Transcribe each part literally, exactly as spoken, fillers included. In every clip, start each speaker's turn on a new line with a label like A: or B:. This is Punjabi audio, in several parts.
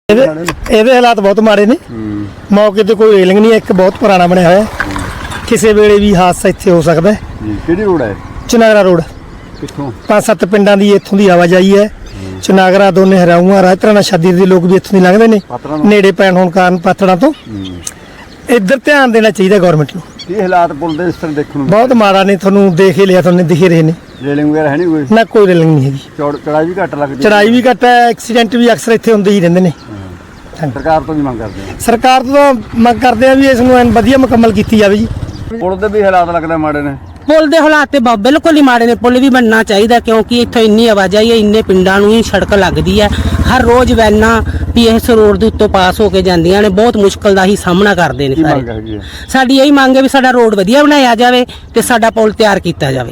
A: ਇਹਦੇ ਹਾਲਾਤ ਬਹੁਤ ਮਾੜੇ ਨੇ। ਮੌਕੇ ਤੇ ਕੋਈ ਰੇਲਿੰਗ ਨਹੀਂ, ਇੱਕ ਬਹੁਤ ਪੁਰਾਣਾ ਬਣਿਆ ਹੋਇਆ, ਕਿਸੇ ਵੇਲੇ ਵੀ ਹਾਦਸਾ ਇੱਥੇ ਹੋ ਸਕਦਾ ਹੈ।
B: ਕਿਹੜੀ ਰੋਡ ਹੈ?
A: ਚਨਾਗਰਾ ਰੋਡ।
B: ਕਿੱਥੋਂ?
A: ਪੰਜ ਸੱਤ ਪਿੰਡਾਂ ਦੀ ਇੱਥੋਂ ਦੀ ਆਵਾਜਾਈ ਹੈ। ਚਨਾਗਰਾ ਦੋਨੇ ਹਰਾਊਆਂ ਰਾਜਤਰਾ ਨਾਲ ਸ਼ਾਦੀ ਦੇ ਲੋਕ ਵੀ ਇੱਥੋਂ ਦੀ ਲੰਘਦੇ ਨੇ, ਨੇੜੇ ਪੈਣ ਹੋਣ ਕਾਰਨ ਪਾਤੜਾਂ ਤੋਂ। ਇੱਧਰ ਧਿਆਨ ਦੇਣਾ ਚਾਹੀਦਾ ਗਵਰਨਮੈਂਟ ਨੂੰ।
B: ਕੀ ਹਾਲਾਤ ਪੁਲ ਦੇ ਇਸ ਤਰ੍ਹਾਂ ਦੇਖਣ ਨੂੰ
A: ਬਹੁਤ ਮਾੜਾ ਨੇ, ਤੁਹਾਨੂੰ ਦੇਖ ਹੀ ਲਿਆ, ਤੁਹਾਨੂੰ ਦਿਖ ਰਹੇ ਨੇ।
B: ਰੇਲਿੰਗ ਵਗੈਰਾ ਹੈ ਨਹੀਂ ਕੋਈ?
A: ਨਾ ਕੋਈ ਰੇਲਿੰਗ ਨਹੀਂ ਹੈਗੀ।
B: ਚੌੜ ਚੜਾਈ ਵੀ ਘੱਟ ਲੱਗਦੀ?
A: ਚੜਾਈ ਵੀ ਘੱਟ ਹੈ, ਐਕਸੀਡੈਂਟ ਵੀ ਅਕਸਰ ਇੱਥੇ ਹੁੰਦੇ ਹੀ ਰਹਿੰਦੇ ਨੇ।
B: ਸਰਕਾਰ ਤੋਂ ਵੀ ਮੰਗ ਕਰਦੇ ਹਾਂ।
A: ਸਰਕਾਰ ਤੋਂ ਮੰਗ ਕਰਦੇ ਆ ਵੀ ਇਸ ਨੂੰ ਐਨ ਵਧੀਆ ਮੁਕੰਮਲ ਕੀਤੀ ਜਾਵੇ ਜੀ।
B: ਪੁਲ ਦੇ ਵੀ ਹਾਲਾਤ ਲੱਗਦਾ ਮਾੜੇ ਨੇ।
C: ਪੁਲ ਦੇ ਹਾਲਾਤ ਤੇ ਬਿਲਕੁਲ ਹੀ ਮਾੜੇ ਨੇ। ਪੁਲ ਵੀ ਬਣਨਾ ਚਾਹੀਦਾ ਕਿਉਂਕਿ ਇੱਥੇ ਇੰਨੀ ਆਵਾਜਾਈ ਹੈ, ਇੰਨੇ ਪਿੰਡਾਂ ਨੂੰ ਹੀ ਸੜਕ ਲੱਗਦੀ ਹੈ। ਹਰ ਰੋਜ਼ ਵੈਨਾਂ ਵੀ ਇਸ ਰੋਡ ਦੇ ਉੱਤੋਂ ਪਾਸ ਹੋ ਕੇ ਜਾਂਦੀਆਂ ਨੇ, ਬਹੁਤ ਮੁਸ਼ਕਲ ਦਾ ਹੀ ਸਾਹਮਣਾ ਕਰਦੇ ਨੇ ਸਾਰੇ। ਸਾਡੀ ਇਹੀ ਮੰਗ ਹੈ ਵੀ ਸਾਡਾ ਰੋਡ ਵਧੀਆ ਬਣਾਇਆ ਜਾਵੇ ਤੇ ਸਾਡਾ ਪੁਲ ਤਿਆਰ ਕੀਤਾ ਜਾਵੇ।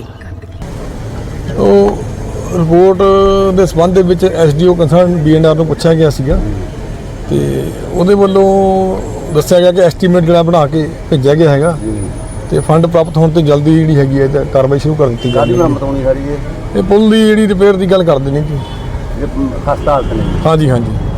D: ਉਹ ਰਿਪੋਰਟ ਦੇ ਸੰਬੰਧ ਦੇ ਵਿੱਚ ਐਸਡੀਓ ਕੰਸਰਨ ਬੀਐਨਆਰ ਨੂੰ ਪੁੱਛਿਆ ਗਿਆ ਸੀਗਾ ਤੇ ਉਹਦੇ ਵੱਲੋਂ ਦੱਸਿਆ ਗਿਆ ਕਿ ਐਸਟੀਮੇਟ ਜਿਹੜਾ ਬਣਾ ਕੇ ਭੇਜਿਆ ਗਿਆ ਹੈਗਾ ਤੇ ਫੰਡ ਪ੍ਰਾਪਤ ਹੋਣ ਤੇ ਜਲਦੀ ਜਿਹੜੀ ਹੈਗੀ ਹੈ ਤੇ ਕਾਰਵਾਈ ਸ਼ੁਰੂ ਕਰ ਦਿੱਤੀ ਜਾਵੇਗੀ।
B: ਮਰਮਤ ਹੋਣੀ ਸਾਰੀ
D: ਇਹ ਪੁਲ ਦੀ ਜਿਹੜੀ ਰਿਪੇਅਰ ਦੀ ਗੱਲ ਕਰਦੇ ਨੇ ਜੀ।
B: ਖਸਤਾ ਹਾਲਤ ਨੇ।
D: ਹਾਂਜੀ ਹਾਂਜੀ।